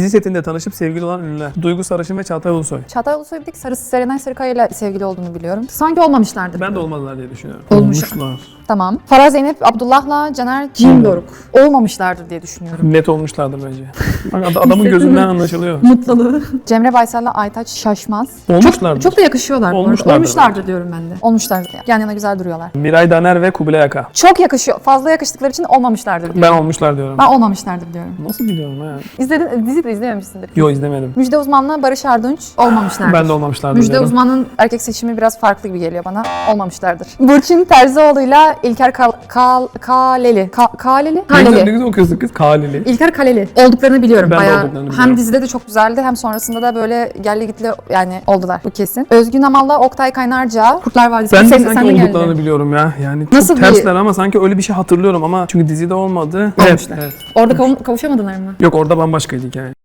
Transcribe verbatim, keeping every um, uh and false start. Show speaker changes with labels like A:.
A: Dizi setinde tanışıp sevgili olan ünlüler. Duygu Sarışın ve Çağatay Ulusoy.
B: Çağatay Ulusoy bir tek Sarı, Serenay Sarıkaya ile sevgili olduğunu biliyorum. Sanki olmamışlardı.
A: Ben de olmadılar diye düşünüyorum.
B: Olmuş.
A: Olmuşlar.
B: Tamam. Farah Zeynep Abdullah'la Caner Cimdoruk. Olmamışlardır diye düşünüyorum.
A: Net olmuşlardır bence. Bak ad- adamın gözünden anlaşılıyor.
B: Mutluluğu. Cemre Baysal'la Aytaç Şaşmaz.
A: Olmuşlardır.
B: Çok, çok da yakışıyorlar. bu arada.
A: Olmuşlardır
B: Olmuşlardır diyorum ben de. Olmuşlardır. Yan yana güzel duruyorlar.
A: Miray Daner ve Kubilay Aka.
B: Çok yakışıyor. Fazla yakıştıkları için olmamışlardır diyorum.
A: Ben olmuşlar diyorum.
B: Ben olmamışlardır diyorum.
A: Nasıl biliyorum ha?
B: İzledin, dizi de izlememişsindir.
A: Yo izlemedim.
B: Müjde Uzman'la Barış Arduç olmamışlardır.
A: Ben de olmamışlardır
B: Müjde
A: diyorum.
B: Uzman'ın erkek seçimi biraz farklı gibi geliyor bana. Olmamışlardır. Burçin Terzioğlu'yla İlker Kal Kal Kaleli. Ka Kaleli?
A: Ne güzel, ne
B: Kaleli.
A: güzel okuyorsun kız. Kaleli.
B: İlker Kaleli. Olduklarını biliyorum
A: Ben de
B: bayağı.
A: olduklarını
B: Hem
A: biliyorum.
B: dizide de çok güzeldi hem sonrasında da böyle gelli gitli yani oldular. Bu kesin. Özgün Amal'la Oktay Kaynarca. Kurtlar Vadisi.
A: Ben de
B: Sen-
A: sanki
B: sen geldi.
A: olduklarını biliyorum ya. Yani çok
B: Nasıl bir-
A: tersler ama sanki öyle bir şey hatırlıyorum ama çünkü dizide olmadı. Evet,
B: Olmuşlar.
A: evet.
B: Orada kav- kavuşamadılar mı?
A: Yok orada bambaşkaydı hikaye.